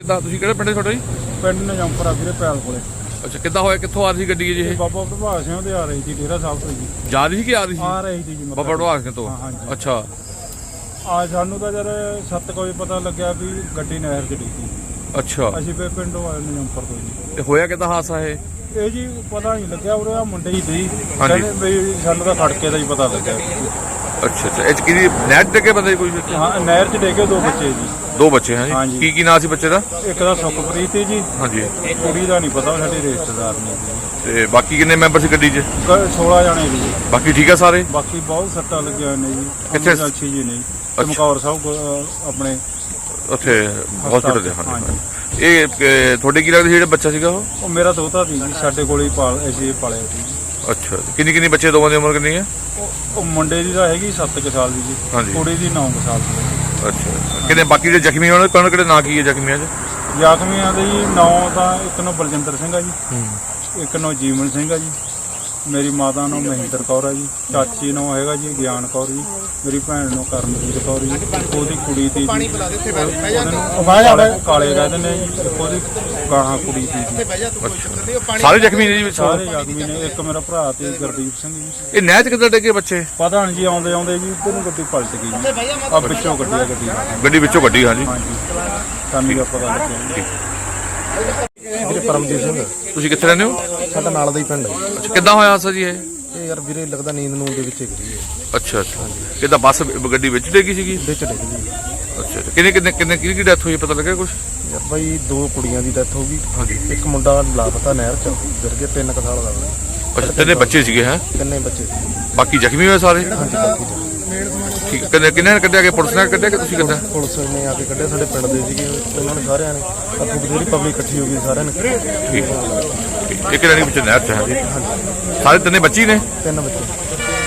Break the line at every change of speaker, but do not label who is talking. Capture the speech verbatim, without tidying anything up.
ਕਿੱਦਾਂ ਤੁਸੀਂ ਕਿਹੜੇ ਪਿੰਡ ਤੁਹਾਡਾ ਜੀ?
ਪਿੰਡ ਨਜੰਪਰ ਆ ਵੀਰੇ ਪੈਲ ਕੋਲੇ।
ਅੱਛਾ, ਕਿੱਦਾਂ ਹੋਇਆ, ਕਿੱਥੋਂ ਆ ਰਹੀ ਸੀ ਗੱਡੀ ਜੀ ਇਹ?
ਬਾਬਾ ਪ੍ਰਭਾਤ ਸਿੰਘ ਦੇ ਆ ਰਹੀ ਸੀ ਡੇਰਾ ਸਾਹਿਬ ਤੋਂ ਜੀ।
ਜਾ ਰਹੀ ਸੀ ਕਿ ਆ ਰਹੀ ਸੀ?
ਆ ਰਹੀ ਸੀ ਜੀ
ਬਾਬਾ ਪ੍ਰਭਾਤ ਸਿੰਘ ਤੋਂ। ਅੱਛਾ,
ਆ ਸਾਨੂੰ ਤਾਂ ਜਦ ਸੱਤ ਵਜੇ ਪਤਾ ਲੱਗਿਆ ਵੀ ਗੱਡੀ ਨਹਿਰ 'ਚ ਡਿੱਗੀ।
ਅੱਛਾ,
ਅਸੀਂ ਫਿਰ ਪਿੰਡੋਂ ਆਏ ਨਜੰਪਰ ਤੋਂ ਜੀ।
ਤੇ ਹੋਇਆ ਕਿੱਦਾਂ ਹਾਦਸਾ ਇਹ?
ਇਹ ਜੀ ਪਤਾ ਨਹੀਂ ਲੱਗਿਆ, ਉਰੇ ਆ ਮੁੰਡੇ ਹੀ ਸੀ,
ਹਾਂਜੀ।
ਕਹਿੰਦੇ ਵੀ ਸਾਨੂੰ ਤਾਂ ਖੜਕੇ ਦਾ ਹੀ ਪਤਾ ਲੱਗਿਆ।
ਅੱਛਾ ਅੱਛਾ, ਇਹ 'ਚ ਕਿਹਦੀ ਨਹਿਰ 'ਚ ਡਿੱਗੇ ਬੰਦੇ ਕੋਈ?
ਹਾਂ, ਨਹਿਰ 'ਚ ਡਿੱਗੇ ਦੋ ਬੱਚੇ ਜੀ।
ਦੋ ਬੱਚੇ ਹੈ ਜੀ?
ਹਾਂਜੀ।
ਕੀ ਕੀ ਨਾਂ ਸੀ ਬੱਚੇ ਦਾ?
ਇੱਕ ਦਾ ਸੁਖਪ੍ਰੀਤ ਸੀ ਜੀ।
ਹਾਂਜੀ।
ਕੁੜੀ ਦਾ ਨਹੀਂ ਪਤਾ, ਸਾਡੇ ਰਿਸ਼ਤੇਦਾਰ ਨੇ ਜੀ।
ਤੇ ਬਾਕੀ ਕਿੰਨੇ ਮੈਂਬਰ ਸੀ ਗੱਡੀ 'ਚ?
ਸੋਲਾਂ ਜਣੇ ਜੀ।
ਬਾਕੀ ਠੀਕ ਆ ਸਾਰੇ?
ਬਾਕੀ ਬਹੁਤ ਸੱਟਾਂ ਲੱਗੀਆਂ ਹੋਈਆਂ ਨੇ ਜੀ।
ਕਿੱਥੇ?
ਅੱਛੀ ਜੀ ਨਹੀਂ ਚਮਕੌਰ ਸਾਹਿਬ ਆਪਣੇ
ਉੱਥੇ ਹਸਪੀਟਲ ਦੇ? ਹਾਂਜੀ। ਇਹ ਇਹ ਤੁਹਾਡੇ ਕੀ ਲੱਗਦਾ ਸੀ ਜਿਹੜਾ ਬੱਚਾ ਸੀਗਾ ਉਹ?
ਉਹ ਮੇਰਾ ਦੋਤਾ ਸੀ ਜੀ, ਸਾਡੇ ਕੋਲ ਹੀ ਪਾਲ ਅਸੀਂ ਪਾਲਿਆ ਸੀ।
ਅੱਛਾ, ਕਿੰਨੀ ਕਿੰਨੀ ਬੱਚੇ ਦੋਵਾਂ ਦੀ ਉਮਰ ਕਿੰਨੀ ਹੈ?
ਉਹ ਮੁੰਡੇ ਦੀ ਤਾਂ ਹੈਗੀ ਸੱਤ ਕੁ ਸਾਲ ਦੀ ਜੀ।
ਹਾਂਜੀ।
ਕੁੜੀ ਦੀ ਨੌ ਕੁ ਸਾਲ ਦੀ।
ਅੱਛਾ, ਕਿੰਨੇ ਬਾਕੀ ਜਿਹੜੇ ਜ਼ਖਮੀ ਹੋਣ ਕੌਣ ਕਿਹੜੇ ਨਾਂ ਕੀ ਹੈ ਜ਼ਖਮੀਆਂ 'ਚ?
ਜ਼ਖਮੀਆਂ ਦੇ ਜੀ ਨੌ ਤਾਂ ਇੱਕ ਨੂੰ ਬਲਜਿੰਦਰ ਸਿੰਘ ਆ ਜੀ, ਇੱਕ ਨੂੰ ਜੀਵਨ ਸਿੰਘ ਆ ਜੀ, ਮੇਰੀ ਮਾਤਾ ਨੂੰ ਮਹਿੰਦਰ ਕੌਰ ਆ ਜੀ, ਚਾਚੀ ਨੂੰ ਹੈਗਾ ਜੀ ਗਿਆਨ ਕੌਰ ਜੀ, ਮੇਰੀ ਭੈਣ ਨੂੰ ਕਰਮਜੀਤ ਕੌਰ ਜੀ, ਉਹਦੀ ਕੁੜੀ ਦੀ ਕਾਲੇ ਕਹਿੰਦੇ ਨੇ ਜੀ, ਉਹਦੀ ਗਾਹਾਂ ਕੁੜੀ ਦੀ ਜੀ।
ਸਾਰੇ ਜ਼ਖਮੀ ਨੇ ਜੀ ਵਿੱਚ?
ਸਾਰੇ ਜ਼ਖਮੀ ਨੇ। ਇੱਕ ਮੇਰਾ ਭਰਾ ਤੇ ਗੁਰਦੀਪ ਸਿੰਘ ਜੀ।
ਇਹ ਨਹਿਰ 'ਚ ਕਿੱਦਾਂ ਡਿੱਗੇ ਬੱਚੇ?
ਪਤਾ ਨਹੀਂ ਜੀ, ਆਉਂਦੇ ਆਉਂਦੇ ਜੀ ਇੱਧਰ ਨੂੰ ਗੱਡੀ ਪਲਟ ਗਈ ਜੀ। ਆ ਵਿੱਚੋਂ ਗੱਡੀ ਆ ਗੱਡੀ
ਗੱਡੀ ਵਿੱਚੋਂ ਗੱਡੀ? ਹਾਂਜੀ
ਹਾਂਜੀ, ਸਾਨੂੰ ਤਾਂ ਪਤਾ ਲੱਗਿਆ।
ਵੀਰੇ ਪਰਮਜੀਤ ਸਿੰਘ।
ਤੁਸੀਂ ਕਿੱਥੇ ਰਹਿੰਦੇ ਹੋ?
ਸਾਡਾ ਨਾਲ ਦਾ ਹੀ ਪਿੰਡ ਹੈ।
ਅੱਛਾ, ਕਿੱਦਾਂ ਹੋਇਆ ਹਾਦਸਾ ਜੀ ਇਹ?
ਇਹ ਯਾਰ ਵੀਰੇ ਲੱਗਦਾ ਨੀਂਦ ਨੂੰ ਦੇ ਵਿੱਚ ਗਿਰੀ ਹੈ।
ਅੱਛਾ ਅੱਛਾ, ਕਿੱਦਾਂ ਬੱਸ ਗੱਡੀ ਵਿੱਚ ਡਿੱਗੀ ਸੀਗੀ?
ਵਿੱਚ ਡਿੱਗ ਗਈ।
ਅੱਛਾ ਅੱਛਾ, ਕਿੰਨੇ ਕਿੰਨੇ ਕਿੰਨੇ ਕਿਹਦੀ ਕੀ ਡੈਥ ਹੋਈ ਪਤਾ ਲੱਗਿਆ ਕੁਝ?
ਯਾਰ ਬਾਈ ਦੋ ਕੁੜੀਆਂ ਦੀ ਡੈਥ ਹੋ ਗਈ।
ਹਾਂਜੀ।
ਇੱਕ ਮੁੰਡਾ ਲਾਪਤਾ ਨਹਿਰ ਚ ਗਿਰ ਗਿਆ, ਤਿੰਨ ਕੁ ਸਾਲ ਦਾ।
ਅੱਛਾ, ਤਿੰਨੇ ਬੱਚੇ ਸੀਗੇ? ਹੈ
ਤਿੰਨੇ ਬੱਚੇ।
ਬਾਕੀ ਜ਼ਖਮੀ ਹੋਏ ਸਾਰੇ?
ਹਾਂਜੀ, ਬਾਕੀ
ਠੀਕ। ਕਿੰਨੇ ਕਿੰਨੇ ਨੇ ਕੱਢਿਆ? ਕਿ ਪੁਲਿਸ ਨੇ ਕੱਢਿਆ ਕਿ ਤੁਸੀਂ ਕੱਢਿਆ?
ਪੁਲਿਸ ਨੇ ਆ ਕੇ ਕੱਢਿਆ, ਸਾਡੇ ਪਿੰਡ ਦੇ ਸੀਗੇ ਉਹਨਾਂ ਨੇ ਸਾਰਿਆਂ ਨੇ। ਆਪਣੀ ਬਥੇਰੀ ਪਬਲਿਕ ਇਕੱਠੀ ਹੋ ਗਈ ਸਾਰਿਆਂ ਨੇ।
ਠੀਕ। ਇੱਕ ਜਣੀ ਵਿੱਚ ਨਹਿਰ 'ਚ ਹੈ? ਸਾਰੇ ਤਿੰਨੇ ਬੱਚੇ ਨੇ?
ਤਿੰਨ ਬੱਚੇ।